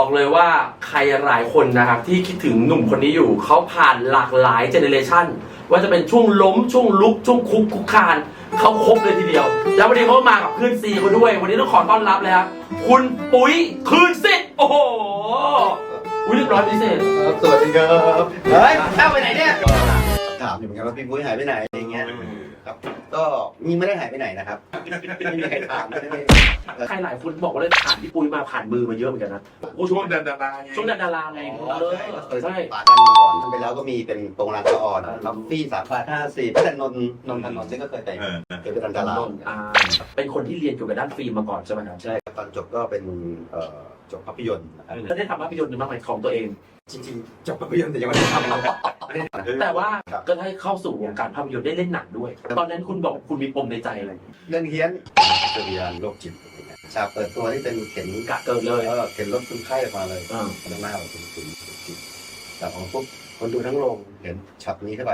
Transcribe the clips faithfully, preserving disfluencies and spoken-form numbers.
เลยว่าใครหลายคนนะครับที่คิดถึงหนุ่มคนนี้อยู่เขาผ่านหลากหลายเจเนเรชันว่าจะเป็นช่วงล้มช่วงลุกช่วงคุกคุกคานเขาครบเลยทีเดียวแล้ววันนี้เขามากับเพื่อนซีเขาด้วยวันนี้ต้องขอต้อนรับเลยครับคุณปุ๋ยคืนสิทธิ์โอ้โหอุ้ยเรียบร้อยพิเศษสวัสดีครับเฮ้ยเข้าไปไหนเนี่ยถามอยู่เหมือนกันว่าพี่ปุ้ยหายไปไหนอะไรเงี้ยครับก็มีไม่ได้หายไปไหนนะครับไม่มีใครถามไม่ได้ใครหลายคนบอกว่าเลยผ่านพี่ปุ้ยมาผ่านมือมาเยอะเหมือนกันนะช่วงดาราช่วงดาราไงเออใช่ปากันมาก่อนทำไปแล้วก็มีเป็นโปรงลางสะอ่อนล็อบบี้สามพันห้าสิบแต่นนนนทนนท์ซึ่งก็เคยไปเคยไปทำดาราเป็นคนที่เรียนเกี่ยวกับด้านฟิล์มมาก่อนใช่ไหมครับใช่ตอนจบก็เป็นจบภาพยนตร์นะครับแล้วได้ทำภาพยนตร์หรือบ้างไหมของตัวเองจริงๆจบภาพยนตร์แต่ยังไม่ได้ทำแต่ว่าก็ได้เข้าสู่วงการภาพยนตร์ได้เล่นหนังด้วยตอนนั้นคุณบอกคุณมีปมในใจอะไรเรื่องเฮี้ยนเกิดวิญญาณโรคจิตฉากเปิดตัวที่เป็นเข็นกะเกิดเลยเออเข็นรถคนไข้ออกมาเลยข้างหน้าเราเป็นคุณจิตแต่ของพวกคนดูทั้งโรงเห็นช็อตนี้เข้าไป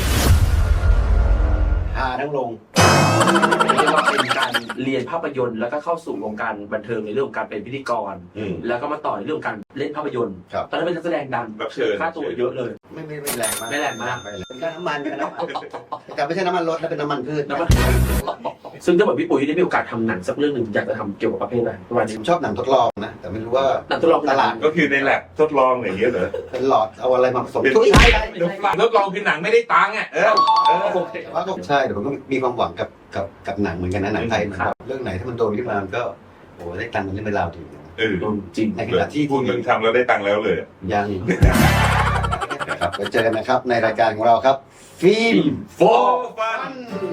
ฮาทั้งโรงเรียกว่าเป็นการเรียนภาพยนตร์แล้วก็เข้าสู่วงการบันเทิงในเรื่องของการเป็นพิธีกรแล้วก็มาต่อในเรื่องการเล่นภาพยนตร์ตอนนั้นเป็นนักแสดงดังค่าตัวเยอะเลยไม่ไม่ไม่แรงมากไม่แรงมากเป็นค่าน้ำมันเป็นน้ำมันแต่ไม่ใช่น้ำมันรถนะเป็นน้ำมันพืชซึ่งถ้าแบบพี่ปุ๋ยได้มีโอกาสทำหนังสักเรื่องหนึ่งอยากจะทำเกี่ยวกับประเภทอะไรประมาณนี้ผมชอบหนังทดลองนะแต่ไม่รู้ว่าหนังทดลองตลาดก็คือในแลบทดลองอย่างเงี้ยเหรอเป็นหลอดเอาอะไรมาผสมทุกใช่ทดลองคือหนังไม่ได้ตังค์อ่ะเออแต่ว่าก็ใช่แต่ผมก็มีความหวังกับกับกับหนังเหมือนกันนะหนังไทยเรื่องไหนถ้ามันโดนขึ้นมามันก็โอ้ได้ตังค์มันเล่นไปราวถึงเออจริงในขณะที่พูดเหมือนทำแล้วได้ตังค์แล้วเลยยังครับไปเจอกันนะครับในรายการของเราครับฟิล์มโฟร์ฟัน